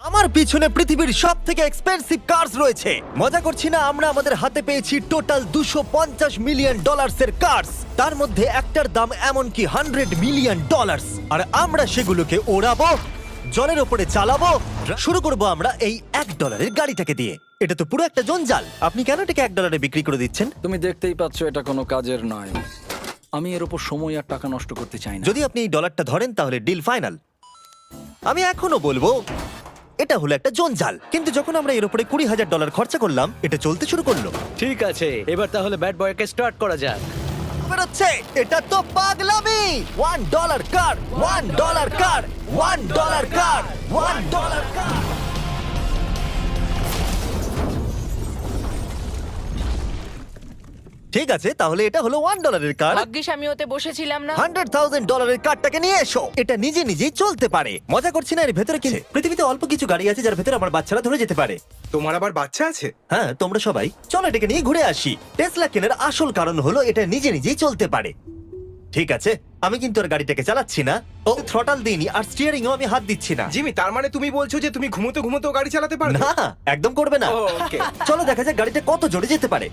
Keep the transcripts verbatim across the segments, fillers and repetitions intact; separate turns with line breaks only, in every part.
আমার পিছনে পৃথিবীর সব থেকে এক্সপেন্সিভ কার্স রয়েছে। মজা করছি না, আমরা আমাদের হাতে পেয়েছি টোটাল দুশো পঞ্চাশ মিলিয়ন ডলার্স এর কার্স। তার মধ্যে একটার দাম এমনকি হান্ড্রেড মিলিয়ন ডলার্স। আর আমরা সেগুলোকে ওড়াবো, জলের ওপরে চালাবো। শুরু করব আমরা এই এক ডলারের গাড়িটাকে দিয়ে। এটা তো পুরো একটা জঞ্জাল। আপনি কেন এটাকে এক ডলারে বিক্রি করে দিচ্ছেন?
তুমি দেখতেই পাচ্ছ এটা কোনো কাজের নয়। আমি এর উপর সময় আর টাকা নষ্ট করতে চাই না।
যদি আপনি এই ডলারটা ধরেন তাহলে ডিল ফাইনাল। আমি এখনো বলবো এটা হলো একটা জঞ্জাল, কিন্তু যখন আমরা এর উপরে কুড়ি হাজার ডলার খরচা করলাম এটা চলতে শুরু করলো।
ঠিক আছে, এবার তাহলে ব্যাড বয়কে স্টার্ট করা যাক।
বেরোচ্ছে, এটা তো পাগলামি। One dollar car, one dollar car, one dollar car, one dollar car. ঠিক আছে, তাহলে এটা হলো ওয়ান ডলারের কার।
ভাগ্যিস আমি ওতে বসেছিলাম না।
হান্ড্রেড থাউজেন্ড ডলারের কারটাকে নিয়ে এসো। এটা নিজে নিজেই চলতে পারে। মজা করছি না, এর ভেতরে কি পৃথিবীতে অল্প কিছু গাড়ি আছে যার ভেতরে আমার বাচ্চারা ধরে যেতে পারে।
তোমার আবার বাচ্চা আছে?
হ্যাঁ, তোমরা সবাই চলো এটাকে নিয়ে ঘুরে আসি। টেসলা কেনার আসল কারণ হলো এটা নিজে নিজেই চলতে পারে। ঠিক আছে, আমি কিন্তু আর গাড়িটাকে চালাচ্ছি না। ও থ্রটাল দিইনি আর স্টিয়ারিং ও আমি হাত দিচ্ছি না।
জিমি, তার মানে তুমি বলছো যে তুমি ঘুমোতে ঘুমোতেও গাড়ি চালাতে পারবে?
না, একদম করবে না।
ও, ওকে।
চলো দেখা যাক গাড়িটা কত জোরে যেতে পারে।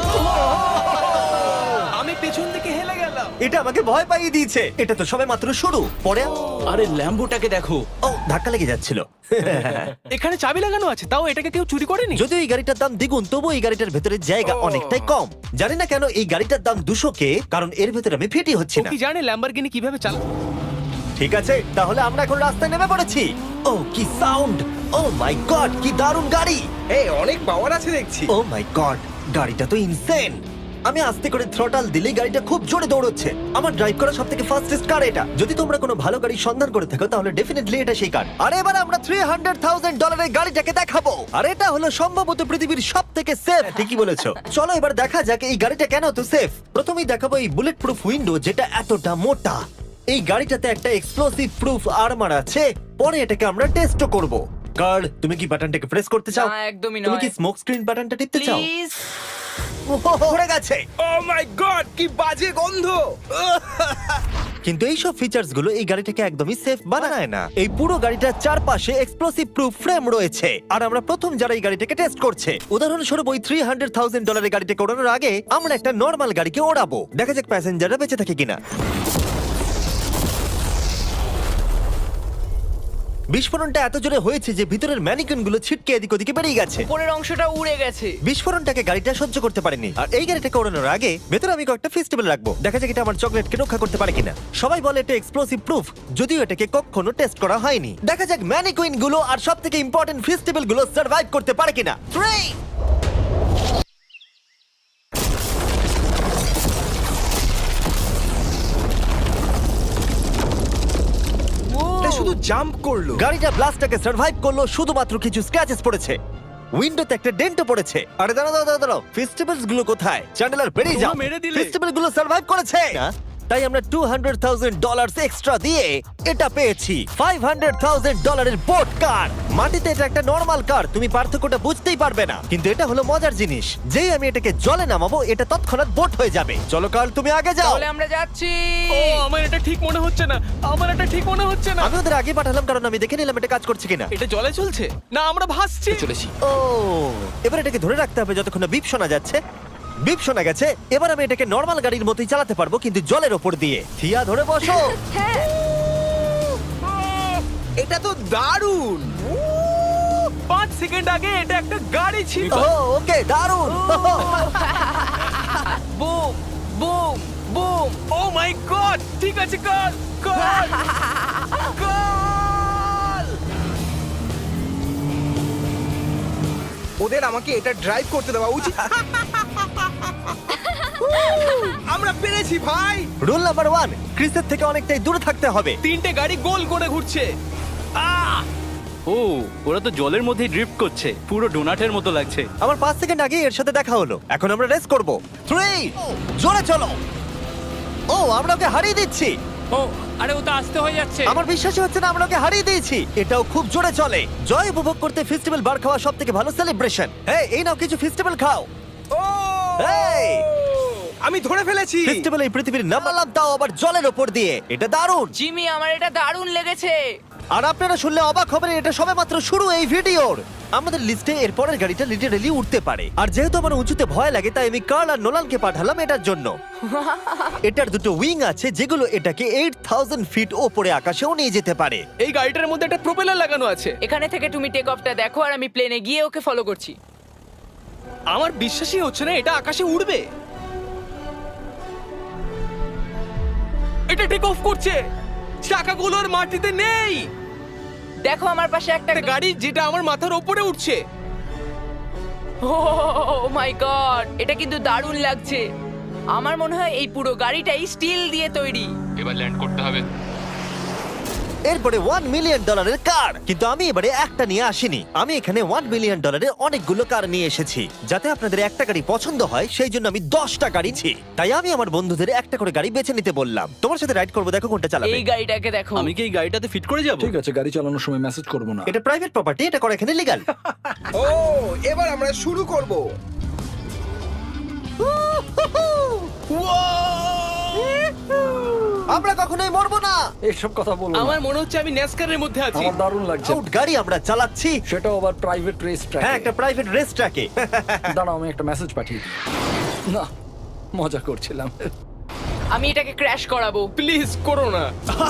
আমি পেছন থেকে হেলে গেলাম।
এটা আমাকে ভয় পাইয়ে দিয়েছে। এটা তো সবে মাত্র শুরু। পরে
আরে ল্যাম্বোটাকে দেখো,
ও ধাক্কা লেগে যাচ্ছিল।
এখানে চাবি লাগানো আছে, তাও এটাকে কেউ চুরি করেনি।
যদিও এই গাড়িটার দাম দ্বিগুণ, তবু এই গাড়িটার ভেতরে জায়গা
ও।
অনেকটাই কম। জানি না কেন এই গাড়িটার দাম দুশো কে, কারণ এর ভেতরে আমি ফিটি হচ্ছি
ও
না।
কি জানে ল্যাম্বরগিনি কিভাবে চালা?
ঠিক আছে, তাহলে আমরা এখন রাস্তায় নেমে পড়েছি। ও কি সাউন্ড! ও মাই গড, কি দারুণ গাড়ি!
এই অনেক পাওয়ার আছে দেখছি।
ও মাই গড, গাড়িটা তো ইনসেন। আমি আস্তে করে থ্রটাল দিলেই গাড়িটা খুব জোরে দৌড়চ্ছে। আমার ড্রাইভ করা সবথেকে ফাস্টেস্ট কার এটা। যদি তোমরা কোনো ভালো গাড়ি সন্ধান করে থাকো তাহলে ডেফিনেটলি এটা সেই কার। আর এবার আমরা থ্রি হান্ড্রেড থাউজেন্ড ডলারের গাড়িটাকে দেখাবো। আর এটা হলো সম্ভবত পৃথিবীর সবথেকে সেফ। ঠিকই বলেছো। চলো এবার দেখা যাক এই গাড়িটা কেন এত সেফ। প্রথমেই দেখাবো এই বুলেট প্রুফ উইন্ডো, যেটা এতটা মোটা। এই গাড়িটাতে একটা এক্সপ্লোসিভ প্রুফ আর্মার আছে। পরে এটাকে আমরা টেস্টও করব। কার্ল, তুমি কি বাটনটাকে প্রেস করতে চাও?
না, একদমই
তুমি
নয়।
কি স্মোক স্ক্রিন বাটনটা টিপতে চাও?
প্লিজ।
পড়ে গেছে।
ও মাই গড, কি বাজে গন্ধ!
কিন্তু এইসব ফিচার্স গুলো এই গাড়িটাকে একদমই সেফ বানায় না। এই পুরো গাড়িটার চারপাশে এক্সপ্লোসিভ প্রুফ ফ্রেম রয়েছে। আর আমরা প্রথম যারা এই গাড়িটাকে টেস্ট করছে, উদাহরণস্বরূপ ওই থ্রি হান্ড্রেড থাউজেন্ড ডলারের গাড়িটাকে ওড়ানোর আগে আমরা একটা নর্মাল গাড়িকে ওড়াবো। দেখা যাক প্যাসেঞ্জাররা বেঁচে থাকে কিনা। বিস্ফোরণটা এত জোরে হয়েছে যে ভিতরের ম্যানিকুইন গুলো ছিটকে এদিক ওদিকে বেরিয়ে গেছে।
উপরের অংশটা উড়ে গেছে।
বিস্ফোরণটাকে গাড়িটা সহ্য করতে পারেনি। আর এই গাড়িটাকে ওড়ানোর আগে ভেতরে আমি কয়েকটা ফেস্টিভ্যাল রাখবো। দেখা যাক এটা আমার চকলেটকে রক্ষা করতে পারে কিনা। সবাই বলে এটা এক্সপ্লোসিভ প্রুফ, যদিও এটাকে কখনো টেস্ট করা হয়নি। দেখা যাক ম্যানিকুইন গুলো আর সব থেকে ইম্পর্টেন্ট ফেস্টিভ্যাল গুলো সার্ভাইভ করতে পারে কিনা। থ্রি
এটা শুধু জাম্প করলো।
গাড়িটা ব্লাস্টটাকে সার্ভাইভ করলো, শুধুমাত্র কিছু স্ক্র্যাচেস পড়েছে। উইন্ডোতে একটা ডেন্টও পড়েছে। আরে দাঁড়াও দাঁড়াও দাঁড়াও, ফেস্টিভ্যালস গুলো কোথায়? চ্যান্ডেলার বেরিয়ে যাও।
তোমরা মেরে দিলে।
ফেস্টিভ্যাল গুলো সার্ভাইভ করেছে না? তাই আমরা two hundred thousand dollar extra দিয়ে এটা পেয়েছি, ফাইভ হান্ড্রেড থাউজেন্ড ডলারের বোট কার। মাটিতে এটা একটা নরমাল কার, তুমি পার্থক্যটা বুঝতেই পারবে না। কিন্তু এটা হলো মজার জিনিস, যেই আমি এটাকে জলে নামাবো এটা তৎক্ষণাৎ বোট হয়ে যাবে। চলো কার, তুমি আগে যাও।
তাহলে আমরা যাচ্ছি।
ও আমার এটা ঠিক মনে হচ্ছে না, আমার এটা ঠিক মনে হচ্ছে না।
আমি ওদের আগে পাঠালাম কারণ আমি দেখে নিলাম এটা কাজ করছে কিনা।
এটা জলে চলছে না, আমরা ভাসছি। চলেছি।
ও, এবার এটাকে ধরে রাখতে হবে যতক্ষণ না বিপ শোনা যাচ্ছে। বিপ শোনা গেছে। এবার আমি এটাকে নর্মাল গাড়ির মতোই চালাতে পারবো, কিন্তু জলের ওপর দিয়ে। থিয়া, ধরে বসো।
হ্যাঁ।
এটা তো দারুণ!
পাঁচ সেকেন্ড আগে এটা একটা গাড়ি ছিল।
ও ওকে, দারুণ।
Boom boom boom.
Oh my god, ঠিক আছে কর কর কর।
ওদের আমাকে এটা ড্রাইভ করতে দেওয়া উচিত। আমরা পেরেছি ভাই!
রুল নাম্বার ওয়ান, ক্রিসের থেকে অনেকটাই দূরে থাকতে হবে।
তিনটে গাড়ি গোল করে ঘুরছে। আহ! ও, ওরা তো জলের মধ্যেই ড্রিফট করছে, পুরো ডোনাটের মতো লাগছে।
আমার পাঁচ সেকেন্ড আগে এর সাথে দেখা হলো। এখন আমরা রেস করব। থ্রি, জোরে চলো। ও, আমরা ওকে হারিয়ে দিচ্ছি।
ও আরে ও তো আসতে হয়ে যাচ্ছে।
আমার বিশ্বাসই হচ্ছে না আমরা ওকে হারিয়ে দিয়েছি। এটাও খুব জোরে চলে। জয় উপভোগ করতে ফেস্টিভ্যাল বার খাওয়া সব থেকে ভালো সেলিব্রেশন। এই এই নাও কিছু ফেস্টিভ্যাল খাও।
ও!
এই!
আমি ধরে ফেলেছি।
ফেস্টিভ্যাল এই পৃথিবীর নামালাম, তাও আবার জলের ওপর দিয়ে। এটা দারুণ।
জিমি, আমার এটা দারুণ লেগেছে।
আর আপনারা শুনলে অবাক হবেন, এটা সবেমাত্র শুরু এই ভিডিওর। আমাদের লিস্টে এর পরের গাড়িটা লিটারেলি উঠতে পারে, আর যেহেতু আমার উঁচুতে ভয় লাগে তাই আমি কার্ল আর নোলানকে পাঠালাম এটার জন্য। এটার দুটো উইং আছে যেগুলো এটাকে আট হাজার ফিট ওপরে আকাশেও নিয়ে যেতে পারে।
এই গাড়িটার মধ্যে একটা প্রোপেলার লাগানো আছে।
এখানে থেকে তুমি টেক অফটা দেখো আর আমি প্লেনে গিয়ে ওকে ফলো করছি।
আমার বিশ্বাসই হচ্ছে না এটা আকাশে উড়বে। এটা টেক অফ করছে, চাকাগুলোর মাটিতে নেই।
দেখো আমার পাশে একটা
একটা গাড়ি যেটা আমার মাথার উপরে উঠছে।
ও মাই গড, এটা কিন্তু দারুণ লাগছে। আমার মনে হয় এই পুরো গাড়িটাই স্টিল দিয়ে তৈরি।
এবার ল্যান্ড করতে হবে।
এরপরে ওয়ান মিলিয়ন ডলারের কার, কিন্তু আমি এবারে একটা নিয়ে আসিনি। আমি এখানে ওয়ান মিলিয়ন ডলারের অনেকগুলো কার নিয়ে এসেছি। যাতে আপনাদের একটা গাড়ি পছন্দ হয় সেই জন্য আমি দশটা গাড়ি ছি। তাই আমি আমার বন্ধুদের একটা করে গাড়ি বেছে নিতে বললাম। তোমার সাথে রাইড করবো, দেখো কোনটা চালাবে।
এই গাড়িটাকে দেখো।
আমি কি এই গাড়িটাতে ফিট করে যাব?
ঠিক আছে, গাড়ি চালানোর সময় মেসেজ করবো না।
এটা প্রাইভেট প্রপার্টি, এটা করা এখানে লিগ্যাল।
ও এবার আমরা শুরু করব।
আমরা কখনোই মরবো না।
এইসব কথা বলো না।
আমার মনে হচ্ছে আমি ন্যাসকারের মধ্যে আছি।
আমার দারুণ লাগছে।
আউট গাড়ি আমরা চালাচ্ছি।
সেটাও আবার প্রাইভেট রেস ট্র্যাক।
হ্যাঁ, একটা প্রাইভেট রেস ট্র্যাকে।
দাঁড়াও, আমি একটা মেসেজ পাঠিয়ে দিই। না, মজা করছিলাম।
আমি এটাকে ক্র্যাশ করাবো।
প্লিজ করো না।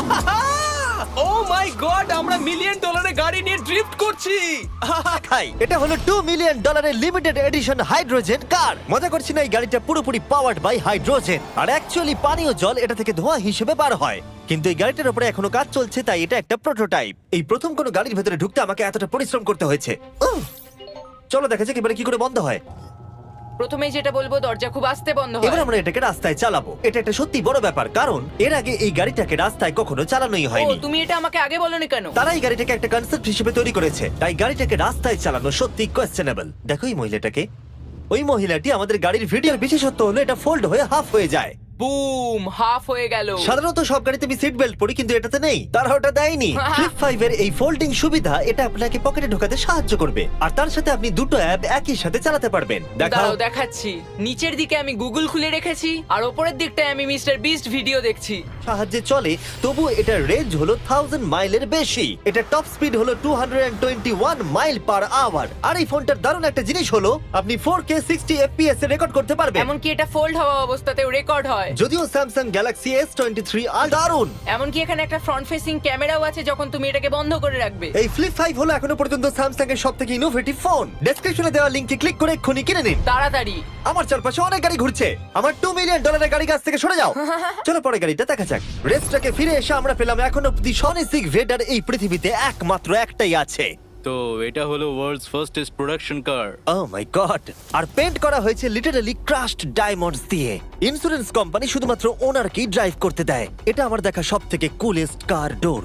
ও মাই গড, আমরা মিলিয়ন ডলারের গাড়ি নিয়ে ড্রিফট করছি।
খাই, এটা হলো টু মিলিয়ন ডলারের লিমিটেড এডিশন হাইড্রোজেন কার। মজা করছি না, এই গাড়িটা পুরোপুরি পাওয়ার্ড বাই হাইড্রোজেন। আর অ্যাকচুয়ালি পানীয় জল এটা থেকে ধোঁয়া হিসেবে বার হয়। কিন্তু এই গাড়িটার উপরে এখনো কাজ চলছে, তাই এটা একটা প্রোটোটাইপ। এই প্রথম কোনো গাড়ির ভেতরে ঢুকতে আমাকে এতটা পরিশ্রম করতে হয়েছে। উফ! চলো দেখা যাক এবারে কি করে বন্ধ হয়।
প্রথমেই যেটা বলবো, দরজা খুব আস্তে বন্ধ
এবার
হয়।
আমরা এটাকে রাস্তায় চালাবো। এটা একটা সত্যি বড় ব্যাপার, কারণ এর আগে এই গাড়িটাকে রাস্তায় কখনো চালানোই
ও,
হয়নি।
তুমি এটা আমাকে আগে বলনি কেন?
তারা এই গাড়িটাকে একটা কনসেপ্ট হিসেবে তৈরি করেছে, তাই গাড়িটাকে রাস্তায় চালানো সত্যি কোয়েশ্চেনেবল। দেখো এই মহিলাটাকে। ওই মহিলাটি আমাদের গাড়ির ভিডিওর বিশেষত্ব হলো এটা ফোল্ড হয়ে হাফ হয়ে যায়।
বুম, হাফ হয়ে গেল।
সাধারণত সব গাড়িতে আমি সিট বেল্ট পরি, কিন্তু এটাতে নেই। তারা ওটা দেয়নি। ফ্লিপ ফাইভ এর এই ফোল্ডিং সুবিধা এটা আপনাকে পকেটে ঢোকাতে সাহায্য করবে, আর তার সাথে আপনি দুটো অ্যাপ একই সাথে চালাতে পারবেন। দেখাও।
দাঁড়াও দেখাচ্ছি। নিচের দিকে আমি গুগল খুলে রেখেছি আর ওপরের দিকটায় আমি মিস্টার বিস্ট ভিডিও দেখছি।
সাহায্যে চলে, তবু এটার রেঞ্জ হলো থাউজেন্ড মাইলের বেশি। এটা টপ স্পিড হলো two twenty one mile per hour. আর এই ফোনটার দারুণ একটা জিনিস হলো আপনি ফোর কে সিক্সটি এফপিএস এ রেকর্ড করতে পারবেন।
এমনকি এটা ফোল্ড হওয়া অবস্থাতেও রেকর্ড হয়।
যদিও Samsung Galaxy S twenty three আর দারুণ।
এমনকি এখানে একটা ফ্রন্ট ফেসিং ক্যামেরাও আছে যখন তুমি এটাকে বন্ধ করে রাখবে।
এই ফ্লিপ ফাইভ হলো এখনো পর্যন্ত স্যামসাং এর সবথেকে ইনোভেটিভ ফোন। ডেসক্রিপশনে দেওয়া লিংকে ক্লিক করে এক্ষুনি কিনে নিন।
তাড়াতাড়ি।
আমার চারপাশে অনেক গাড়ি ঘুরছে। আমার টু মিলিয়ন ডলারের গাড়ি কাছ থেকে সরে যাও। চলো পরে গাড়িটা দেখা যাক। রেসটাকে ফিরে এসে আমরা পেলাম এখনো অব্দি সনিক ভেডার এই পৃথিবীতে একমাত্র একটাই আছে।
তো এটা হলো world's fastest production car.
Oh my god! আর পেন্ট করা হয়েছে লিটারালি ক্রাশড ডায়মন্ডস দিয়ে। ইন্স্যুরেন্স কোম্পানি শুধুমাত্র ওনারকেই ড্রাইভ করতে দেয়। এটা আমার দেখা সবথেকে কুলেস্ট কার ডোর।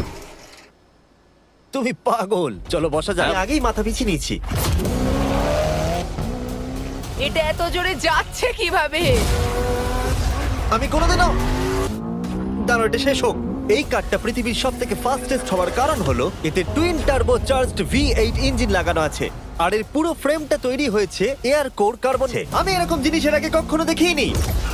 তুমি পাগল। চলো বসা যাক। আমি আগেই মাথা পিছিয়ে নিয়েছি।
এটা এত জোরে যাচ্ছে কিভাবে?
আমি কোনোদিনও দাঁড়ো, এটা শেষ হোক। এই কারটা পৃথিবীর সব থেকে ফাস্টেস্ট হওয়ার কারণ হলো এতে twin turbocharged V eight engine লাগানো আছে, আর এর পুরো ফ্রেমটা তৈরি হয়েছে এয়ার কোর কার্বনে। আমি এরকম জিনিসের আগে কখনো দেখিনি।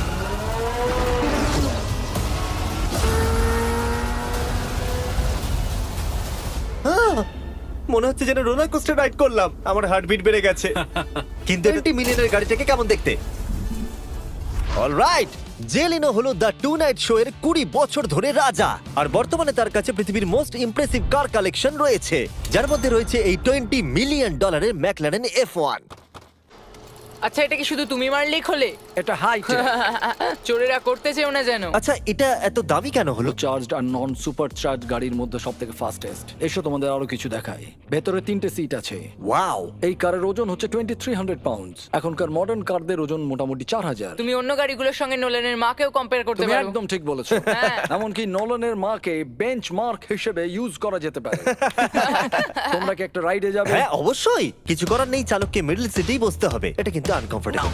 আহ! মনে হচ্ছে যেন রোলার কোস্টার রাইড করলাম। আমার হার্টবিট বেড়ে গেছে। কিন্তু টোয়েন্টি মিলিয়নের গাড়িটাকে কেমন দেখতে? অলরাইট, জেলিনো হলো দ্য টু নাইট শো এর কুড়ি বছর ধরে রাজা, আর বর্তমানে তার কাছে পৃথিবীর মোস্ট ইমপ্রেসিভ কার কালেকশন রয়েছে, যার মধ্যে রয়েছে এই টোয়েন্টি মিলিয়ন ডলারের ম্যাকলারেন এফ ওয়ান।
আচ্ছা, এটা কি শুধু তুমি মারলেই খোলে?
এটা হাইট।
চোরেরা করতে চেও না যেন।
আচ্ছা, এটা এত দামি কেন হলো?
চার্জড আর নন সুপার চার্জ গাড়ির মধ্যে সব থেকে ফাস্টেস্ট। এসো তোমাদের আরো কিছু দেখাই। ভেতরে তিনটে সিট আছে।
ওয়াও!
এই কারের ওজন হচ্ছে টোয়েন্টি থ্রি হান্ড্রেড পাউন্ড। এখনকার মডার্ন কারদের ওজন মোটামুটি চার হাজার।
তুমি অন্য গাড়িগুলোর সঙ্গে নোলেনের মাকেও কম্পেয়ার করতে
তুমি
পারো।
একদম ঠিক বলেছো।
হ্যাঁ।
এমনকি নোলানের মাকে বেঞ্চ মার্ক হিসেবে ইউজ করা যেতে পারে। তোমরা কি একটা রাইডে যাবে?
হ্যাঁ অবশ্যই। কিছু করার নেই, চালককে মিডল সিটেই বসতে হবে। এটা কিন্তু আনকমফোর্টেবল।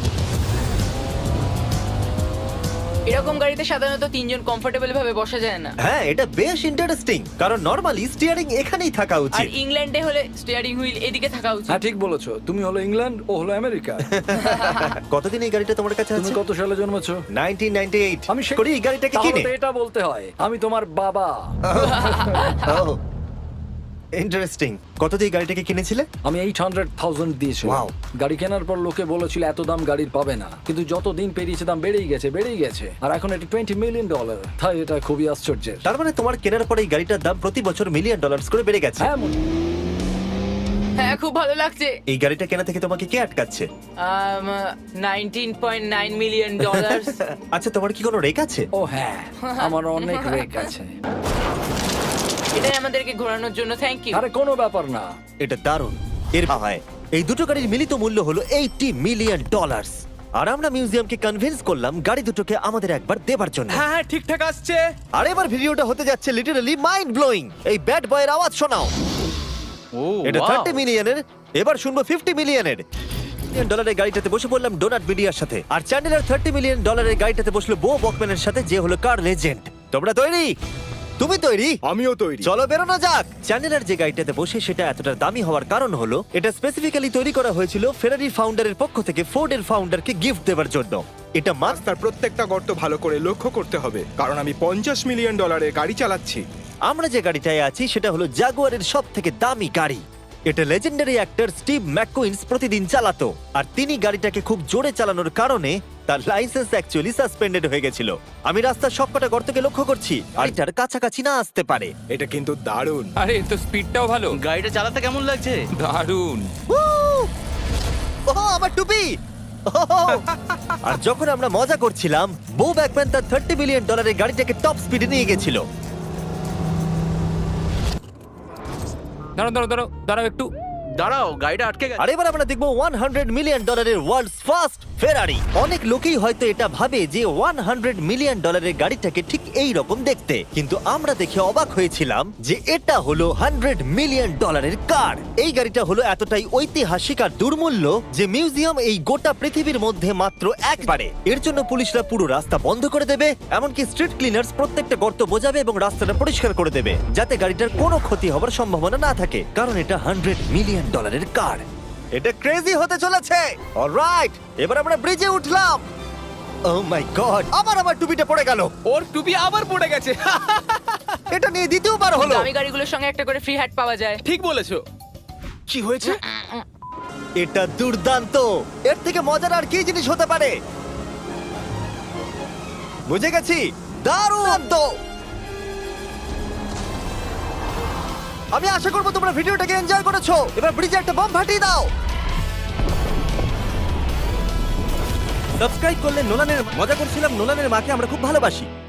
এরকম গাড়িতে সাধারণত তিনজন কমফোর্টেবল ভাবে বসা যায় না।
হ্যাঁ, এটা বেশ ইন্টারেস্টিং, কারণ নরমালি স্টিয়ারিং এখানেই থাকা
আর
উচিত।
ইংল্যান্ডে হলে স্টিয়ারিং হুইল এদিকে থাকা উচিত।
হ্যাঁ ঠিক বলেছো। তুমি হলো ইংল্যান্ড, ও হলো আমেরিকা।
কতদিন এই গাড়িটা তোমার কাছে
তুমি
আছে?
কত সালে জন্মেছো?
Nineteen ninety eight.
আমি সে-
করি এই গাড়িটাকে
তাহলে
কিনে।
তো এটা বলতে হয় আমি তোমার বাবা।
Oh, interesting. কত দিয়ে এই গাড়িটাকে কিনেছিলে?
আমি এইট হান্ড্রেড থাউজেন্ড দিয়েছিলাম।
Wow.
গাড়ি কেনার পর লোকে বলেছিল এত দাম গাড়ির পাবে না, কিন্তু যত দিন পেরিয়েছে দাম বেড়েই গেছে বেড়েই গেছে আর এখন এটা টোয়েন্টি মিলিয়ন ডলার। তাই এটা খুবই আশ্চর্যের।
তার মানে তোমার কেনার পরে এই গাড়িটার দাম প্রতি বছর মিলিয়ন ডলার্স করে বেড়ে গেছে।
হ্যাঁ মনে-
হ্যাঁ খুব ভালো লাগছে।
এই গাড়িটা কেনা থেকে তোমাকে কে আটকাচ্ছে?
Nineteen point nine million dollar.
আচ্ছা, তোমার কি কোনো রেক আছে?
ও হ্যাঁ, আমার অনেক রেক আছে।
এটাই আমাদেরকে ঘোরানোর জন্য থ্যাংক ইউ।
আরে কোনো ব্যাপার না।
এটা দারুণ। এর হয় এই দুটো গাড়ির মিলিত মূল্য হলো এইটি মিলিয়ন ডলার্স। আর আমরা মিউজিয়ামকে কনভিন্স করলাম গাড়ি দুটোকে আমাদের একবার দেবার জন্য।
হ্যাঁ হ্যাঁ ঠিকঠাক আসছে।
আর এবার ভিডিওটা হতে যাচ্ছে লিটারালি মাইন্ড ব্লোয়িং। এই ব্যাড বয়ের আওয়াজ শোনাও।
ও
এটা
wow!
থার্টি মিলিয়নের, এবার শুনবো ফিফটি মিলিয়নের। মিলিয়ন ডলারের গাড়িটাতে বসে পড়লাম ডোনাট মিডিয়ার সাথে, আর চ্যান্ডেলার থার্টি মিলিয়ন ডলারের গাড়িটাতে বসলো বো বকম্যানের সাথে, যে হলো কার লেজেন্ড। তোমরা তৈরি? তুমি তৈরি?
আমিও তৈরি।
চলো বেরোনো যাক। চ্যান্ডেলার যে গাড়িটাতে বসে সেটা এতটা দামি হওয়ার কারণ হলো এটা স্পেসিফিক্যালি তৈরি করা হয়েছিল ফেরারি ফাউন্ডারের পক্ষ থেকে ফোর্ডের ফাউন্ডারকে গিফট দেওয়ার জন্য। এটা মাস্টার।
রাস্তার প্রত্যেকটা গর্ত ভালো করে লক্ষ্য করতে হবে, কারণ আমি পঞ্চাশ মিলিয়ন ডলারের গাড়ি চালাচ্ছি।
আমরা যে গাড়িটায় আছি সেটা হলো জাগুয়ারের সব থেকে দামি গাড়ি। এটা লেজেন্ডারি অ্যাক্টর স্টিভ ম্যাককুইন্স প্রতিদিন চালাতো, আর তিনি গাড়িটাকে খুব জোরে চালানোর কারণে তার লাইসেন্স অ্যাকচুয়ালি সাসপেন্ডেড হয়ে গেছিল। আমি রাস্তার সবকটা গর্তকে লক্ষ্য করছি, গাড়িটার কাছাকাছি না আসতে পারে।
এটা কিন্তু দারুণ।
আরে এর তো স্পিডটাও ভালো।
গাড়িটা চালাতে কেমন লাগছে?
দারুণ।
উহ! ওহ, আমার টুপি! ওহ! আর যখন আমরা মজা করছিলাম, বো ব্যাকম্যান তার থার্টি মিলিয়ন ডলারের গাড়িটাকে টপ স্পিডে নিয়ে গেছিল।
দাঁড়াও দাঁড়াও দাঁড়াও দাঁড়াও একটু।
দাঁড়াও, গাড়িটা আটকে গেছে।
আর এবার আমরা দেখবো হান্ড্রেড মিলিয়ন ডলারের ওয়ার্ল্ডস ফার্স্ট ফেরারি। অনেক লোকেই হয়তো এটা ভাবে যে হান্ড্রেড মিলিয়ন ডলারের গাড়িটাকে ঠিক এই রকম দেখতে, কিন্তু আমরা দেখে অবাক হয়েছিলাম যে এটা হলো হান্ড্রেড মিলিয়ন ডলারের কার। এই গাড়িটা হলো এতটাই ঐতিহাসিক আর দুর্মূল্য যে মিউজিয়াম এই গোটা পৃথিবীর মধ্যে মাত্র একবারে। এর জন্য পুলিশরা পুরো রাস্তা বন্ধ করে দেবে, এমনকি স্ট্রিট ক্লিনার্স প্রত্যেকটা গর্ত বোঝাবে এবং রাস্তাটা পরিষ্কার করে দেবে, যাতে গাড়িটার কোনো ক্ষতি হবার সম্ভাবনা না থাকে, কারণ এটা হান্ড্রেড মিলিয়ন ডলারের কার। এটা ক্রেজি হতে চলেছে। অলরাইট, এবার আমরা ব্রিজে উঠলাম। ও মাই গড, আবার আমার টুপিটা পড়ে গেল।
ওর টুপি আবার পড়ে গেছে।
এটা নিয়ে দ্বিতীয়বার হলো।
দামি গাড়িগুলোর সঙ্গে একটা করে ফ্রি হ্যাট পাওয়া যায়।
ঠিক বলেছো। কি হয়েছে?
এটা দুর্দান্ত। এর থেকে মজার আর কি জিনিস হতে পারে? বুঝে গেছি, দারুণ তো। আমি আশা করবো তোমরা ভিডিওটাকে এনজয় করেছো। এবার ব্রিজে একটা বম ফাটিয়ে দাও। সাবস্ক্রাইব করলে নোলানের মজা করছিলাম। নোলানের মাকে আমরা খুব ভালোবাসি।